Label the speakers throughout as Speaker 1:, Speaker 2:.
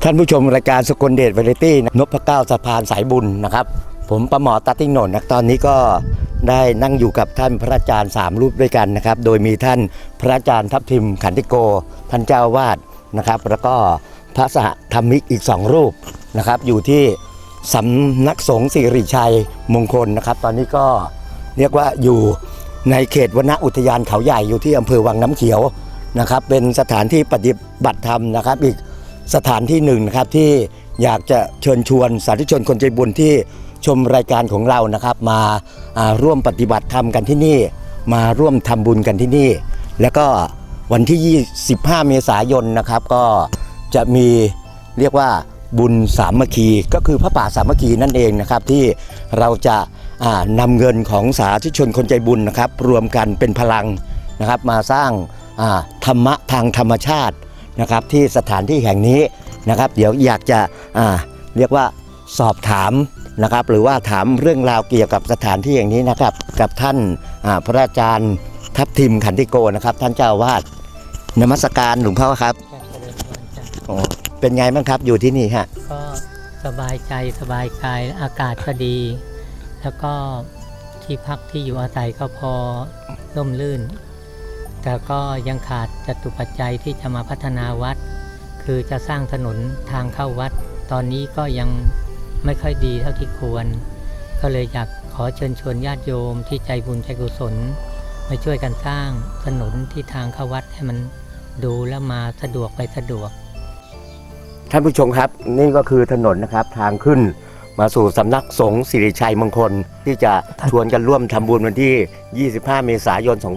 Speaker 1: ท่านผู้ชมรายการสกลเดชวาไรตี้นพเก้าสะพานสายบุญนะครับผมประหมอตัดติ้งโหนนตอนนี้ก็ได้นั่งอยู่กับท่านพระอาจารย์3รูปด้วยกันนะครับโดยมีท่านพระอาจารย์ทัพทิมขันติโกท่านเจ้าวาดนะครับแล้วก็พระสหธรรมิกอีก2รูปนะครับอยู่ที่สำนักสงฆ์สิริชัยมงคลนะครับตอนนี้ก็เรียกว่าอยู่ในเขตวนอุทยานเขาใหญ่อยู่ที่อำเภอวังน้ำเขียวนะครับเป็นสถานที่ปฏิบัติธรรมนะครับอีกสถานที่หนึ่งนะครับที่อยากจะเชิญชวนสาธุชนคนใจบุญที่ชมรายการของเรานะครับมาร่วมปฏิบัติธรรมกันที่นี่มาร่วมทำบุญกันที่นี่แล้วก็วันที่25 เมษายนนะครับก็จะมีเรียกว่าบุญสามัคคีก็คือพระป่าสามัคคีนั่นเองนะครับที่เราจะนำเงินของสาธุชนคนใจบุญนะครับรวมกันเป็นพลังนะครับมาสร้างธรรมะทางธรรมชาตินะครับที่สถานที่แห่งนี้นะครับเดี๋ยวอยากจะเรียกว่าสอบถามนะครับหรือว่าถามเรื่องราวเกี่ยวกับสถานที่อย่างนี้นะครับกับท่านพระอาจารย์ทัพทิมขันติโกนะครับท่านเจ้าวาดนมัสการหลวงพ่อครับเป็นไงบ้างครับอยู่ที่นี่ฮะ
Speaker 2: ก็สบายใจสบายกายอากาศก็ดีแล้วก็ที่พักที่อยู่อาศัยก็พอร่มรื่นแต่ก็ยังขาดจตุปัจจัยที่จะมาพัฒนาวัดคือจะสร้างถนนทางเข้าวัดตอนนี้ก็ยังไม่ค่อยดีเท่าที่ควรก็เลยอยากขอเชิญชวนญาติโยมที่ใจบุญใจกุศลมาช่วยกันสร้างถนนที่ทางเข้าวัดให้มันดูแล้วมาสะดวกไปสะดวก
Speaker 1: ท่านผู้ชมครับนี่ก็คือถนนนะครับทางขึ้นมาสู่สำนักสงฆ์สิริชัยมงคลที่จะชวนกันร่วมทำบุญวันที่25 เมษายน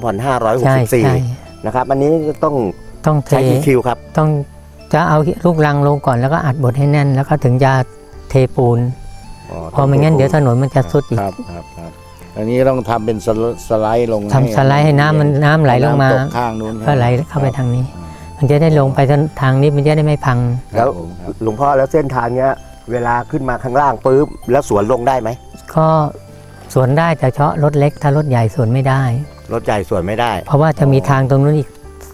Speaker 1: 2564นะครับอันนี้ต้องใช้คิวครับ
Speaker 2: ต้องจะเอาลูกรังลงก่อนแล้วก็อัดบดให้แน่นแล้วก็ถึงจะเทปูนพอไม่งั้นเดี๋ยวถนนมันจะซุดอีก
Speaker 3: ครับอันนี้ต้องทำเป็นสไลด์ลง
Speaker 2: ทำสไลด์ให้น้ำไหลลงมา
Speaker 3: ข้างนู้น
Speaker 2: ก็ไหลเข้าไปทางนี้มันจะได้ลงไปทางนี้มันจะได้ไม่พัง
Speaker 1: แล้วหลวงพ่อแล้วเส้นทางเนี้ยเวลาขึ้นมาข้างล่างปุ๊บแล้วสวนลงได้ไหม
Speaker 2: ก็สวนได้แต่เฉพาะรถเล็กถ้ารถใหญ่สวนไม่ได้
Speaker 1: รถใหญ่สวนไม่ได้
Speaker 2: เพราะว่าจะมีทางตรงนู้นอีก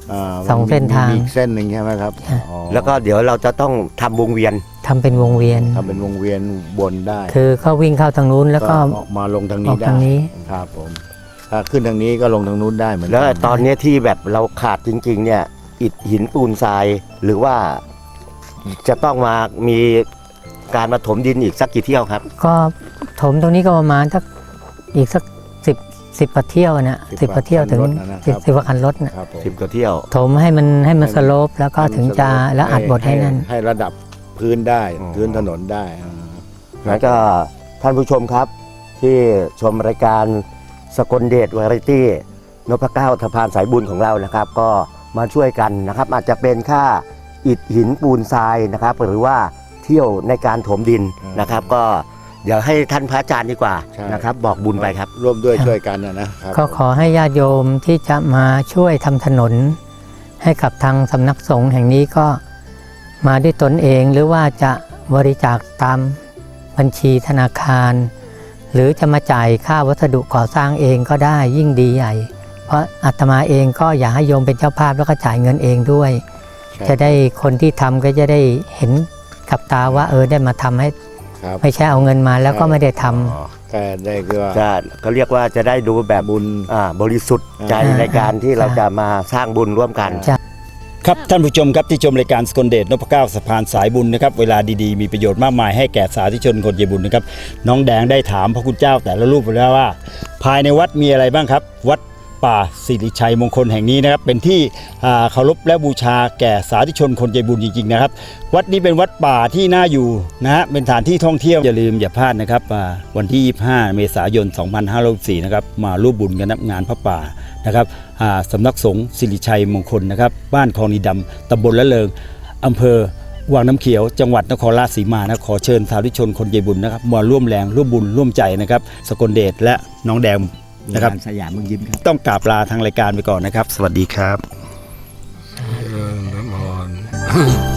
Speaker 2: 2 เส้นทาง
Speaker 3: อีกเส้นหนึ่งใช่ไหมครับ
Speaker 1: แล้วก็เดี๋ยวเราจะต้องทำวงเวียน
Speaker 2: ทำเป็นวงเวียน
Speaker 3: บนได้
Speaker 2: คือเขาวิ่งเข้าทางนู้นแล้วก็
Speaker 3: ออกมาลงทางนี้ได้ครับผมถ้าขึ้นทางนี้ก็ลงทางนู้นได้เหมือนกัน
Speaker 1: แล้วตอนนี้ที่แบบเราขาดจริงๆเนี่ยอิฐหินปูนทรายหรือว่าจะต้องมามีการมาถมดินอีกสักกี่เที่ยวครับ
Speaker 2: ก็ถมตรงนี้ก็ประมาณอีกสัก10 กว่าเที่ยวนะ10 กว่าเที่ยวถึง10 กว่าคันรถนะ
Speaker 1: 10 กว่าเที่ยว
Speaker 2: ถมให้มันสโลปแล้วก็ถึงจะแล้วอัดบดให้นั่น
Speaker 3: ให้ระดับพื้นได้พื้นถนนได้
Speaker 1: แล้วก็ท่านผู้ชมครับที่ชมรายการสกลเดชวาไรตี้นพเก้าสะพานสายบุญของเรานะครับก็มาช่วยกันนะครับอาจจะเป็นค่าอิฐหินปูนทรายนะครับหรือว่าเที่ยวในการถมดินนะครับก็เดี๋ยวให้ท่านพระอาจารย์ดีกว่านะครับบอกบุญไปครับ
Speaker 3: ร่วมด้วยช่วยกันนะครับ
Speaker 2: ก็ขอให้ญาติโยมที่จะมาช่วยทำถนนให้กับทางสำนักสงฆ์แห่งนี้ก็มาด้วยตนเองหรือว่าจะบริจาคตามบัญชีธนาคารหรือจะมาจ่ายค่าวัสดุก่อสร้างเองก็ได้ยิ่งดีใหญ่เพราะอาตมาเองก็อยากให้โยมเป็นเจ้าภาพแล้วก็จ่ายเงินเองด้วยจะได้คนที่ทำก็จะได้เห็นกับตาว่าได้มาทำให้ไม่ใช่เอาเงินมาแล้วก็ไม่ได้ท
Speaker 3: ำแต่ได้ก็
Speaker 1: เขาเรียกว่าจะได้ดูแบบบุญบริสุทธิ์ใจในการที่เราจะมาสร้างบุญร่วมกัน
Speaker 4: ครับท่านผู้ชมครับที่ชมรายการสกลเดชนพเก้าสะพานสายบุญนะครับเวลาดีๆมีประโยชน์มากมายให้แก่สาธุชนคนใจบุญนะครับน้องแดงได้ถามพระคุณเจ้าแต่ละรูปไปแล้วว่าภายในวัดมีอะไรบ้างครับวัดป่าสิริชัยมงคลแห่งนี้นะครับเป็นที่เคารพและบูชาแก่สาธุชนคนใจบุญจริงๆนะครับวัดนี้เป็นวัดป่าที่น่าอยู่นะฮะเป็นสถานที่ท่องเที่ยวอย่าลืมอย่าพลาดนะครับวันที่25 เมษายน 2564นะครับมาร่วมบุญกันงานพระป่านะครับสำนักสงฆ์สิริชัยมงคลนะครับบ้านคลองนีดำตำบลละเริงอำเภอวังน้ำเขียวจังหวัดนครราชสีมานะขอเชิญสาธุชนคนใจบุญนะครับมาร่วมแรงร่วมบุญร่วมใจนะครับสกลเดชและน้องแดงนะครับ
Speaker 1: สยามเมืองยิ้มครับ
Speaker 4: ต้องกราบลาทางรายการไปก่อนนะครับสวัสดีครับ